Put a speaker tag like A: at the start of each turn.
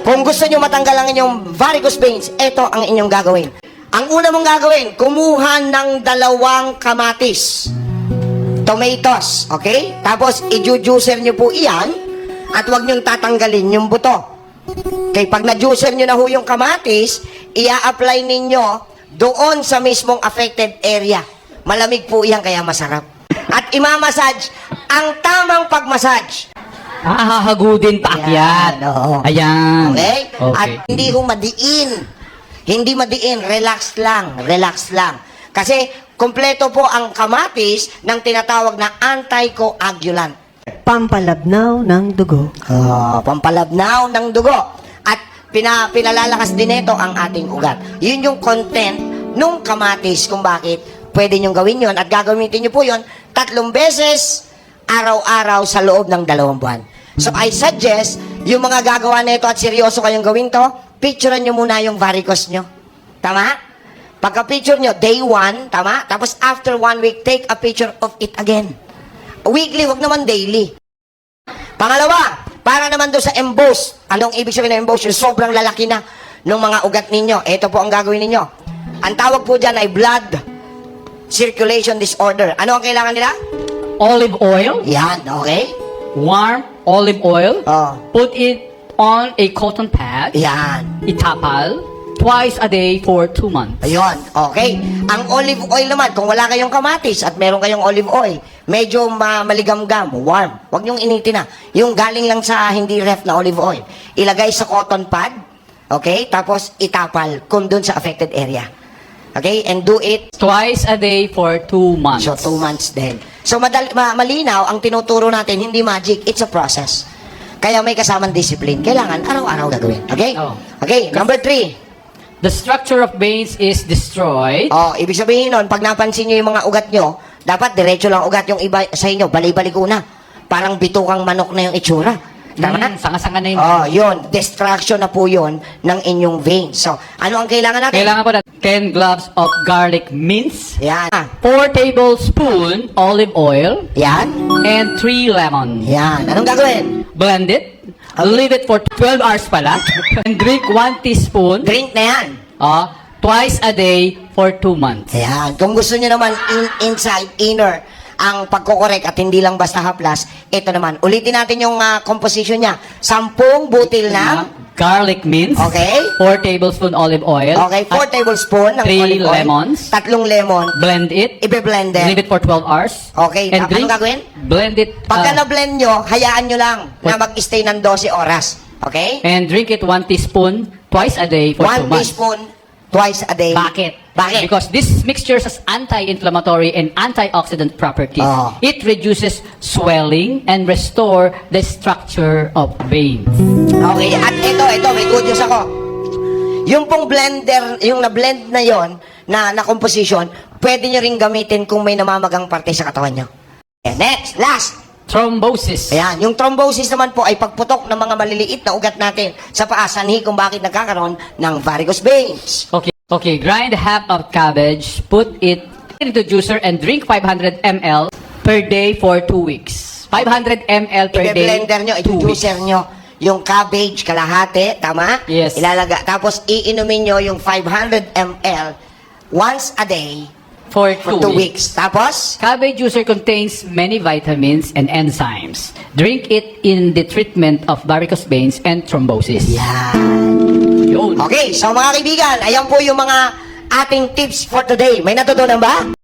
A: Kung gusto nyo matanggal ang inyong varicose veins, ito ang inyong gagawin. Ang una mong gagawin, kumuha ng 2 kamatis. Tomatoes, okay? Tapos, i-juicer nyo po iyan at huwag nyo tatanggalin yung buto. Okay, pag na-juicer nyo na ho yung kamatis, ia-apply ninyo doon sa mismong affected area. Malamig po iyan, kaya masarap. At imamassage, ang tamang pagmassage.
B: Hahagudin paakyat.
A: Ayan, oo.
B: Ayan.
A: Okay?
B: Okay.
A: At hindi ho madiin. Hindi madiin, relax lang, relax lang. Kasi kompleto po ang kamatis ng tinatawag na anticoagulant.
C: Pampalabnaw ng dugo.
A: Pampalabnaw ng dugo. At pinalalakas din ito ang ating ugat. Yun yung content nung kamatis kung bakit pwede nyo gawin yun. At gagamitin nyo po yun 3 beses araw-araw sa loob ng 2 buwan. So I suggest, yung mga gagawa na ito at seryoso kayong gawin to, picturean nyo muna yung varicose nyo. Tama? Pagka-picture nyo, day 1, tama? Tapos after 1 week, take a picture of it again. Weekly, wag naman daily. Pangalawa, para naman doon sa emboss. Anong ibig sabihin ng emboss? Yung sobrang lalaki na ng mga ugat ninyo. Ito po ang gagawin ninyo. Ang tawag po dyan ay blood circulation disorder. Ano ang kailangan nila?
B: Olive oil,
A: Yan, okay?
B: warm olive oil,
A: Oh,
B: put it on a cotton pad,
A: yan.
B: itapal, twice a day for 2 months.
A: Ayun, okay. Ang olive oil naman, kung wala kayong kamatis at meron kayong olive oil, medyo maligamgam, warm. Huwag niyong initin na. Yung galing lang sa hindi ref na olive oil. Ilagay sa cotton pad, okay? Tapos itapal kung dun sa affected area. Okay? And do it
B: Twice a day for 2 months.
A: so 2 months din. So malinaw, ang tinuturo natin, hindi magic, it's a process. Kaya may kasamang discipline. Kailangan araw-araw gagawin. Okay?
B: Oh.
A: Okay, number 3.
B: The structure of veins is destroyed.
A: Oh, ibig sabihin nun, pag napansin nyo yung mga ugat nyo, dapat diretso lang ugat yung iba sa inyo, bali-baliko na. Parang bitukang manok na yung itsura. Tama?
B: Sanga-sanga na yun.
A: Oh, yun. Distraction na po yun ng inyong veins. So, ano ang kailangan natin?
B: Kailangan po na 10 gloves of garlic mince,
A: Yan.
B: 4 tablespoon olive oil,
A: Yan.
B: and 3 lemon.
A: Yan. Anong gagawin?
B: Blend it. Leave it for 12 hours pala. And drink 1 teaspoon
A: Drink na yan.
B: twice a day for 2 months.
A: Ayan. Kung gusto nyo naman inside, inner, ang pagkokorek at hindi lang basta haplas, ito naman. Ulitin natin yung composition niya. 10 butil ng,
B: Garlic mince.
A: okay?
B: 4 tablespoon olive oil.
A: Okay, 4
B: At
A: tablespoon ng
B: 3
A: olive oil.
B: lemons.
A: 3 lemon.
B: Blend it.
A: Ibe-blend
B: Leave
A: din.
B: it for 12 hours.
A: Okay,
B: And
A: anong
B: drink.
A: gagawin?
B: Blend it.
A: Pagka na-blend nyo, hayaan nyo lang na
B: What?
A: mag-stay ng 12 oras. Okay?
B: And drink it 1 teaspoon twice a day for 2
A: 1
B: months.
A: teaspoon twice a day.
B: Bakit?
A: Bakit?
B: Because this mixture has anti-inflammatory and antioxidant properties.
A: Oh.
B: It reduces swelling and restore the structure of veins.
A: Okay, at ito, may good news ako. Yung pong blender, yung na-blend na yon na composition, pwede nyo rin gamitin kung may namamagang parte sa katawan nyo. Okay, next, last.
B: Thrombosis.
A: Ayan, yung thrombosis naman po ay pagputok ng mga maliliit na ugat natin sa paa, sanhi kung bakit nagkakaroon ng varicose veins.
B: Okay, grind half of cabbage, put it into juicer and drink 500 ml per day for 2 weeks. 500 ml per day.
A: I-blender nyo,
B: 2
A: i-juicer
B: weeks.
A: nyo yung cabbage, kalahati, tama?
B: Yes.
A: Ilalaga, tapos iinumin nyo yung 500 ml once a day
B: For
A: for 2
B: 2
A: weeks. Tapos,
B: Cabbage juicer contains many vitamins and enzymes. Drink it in the treatment of varicose veins and thrombosis.
A: yan.
B: Yun.
A: Okay, so mga kaibigan, ayan po yung mga ating tips for today. May natutunan ba?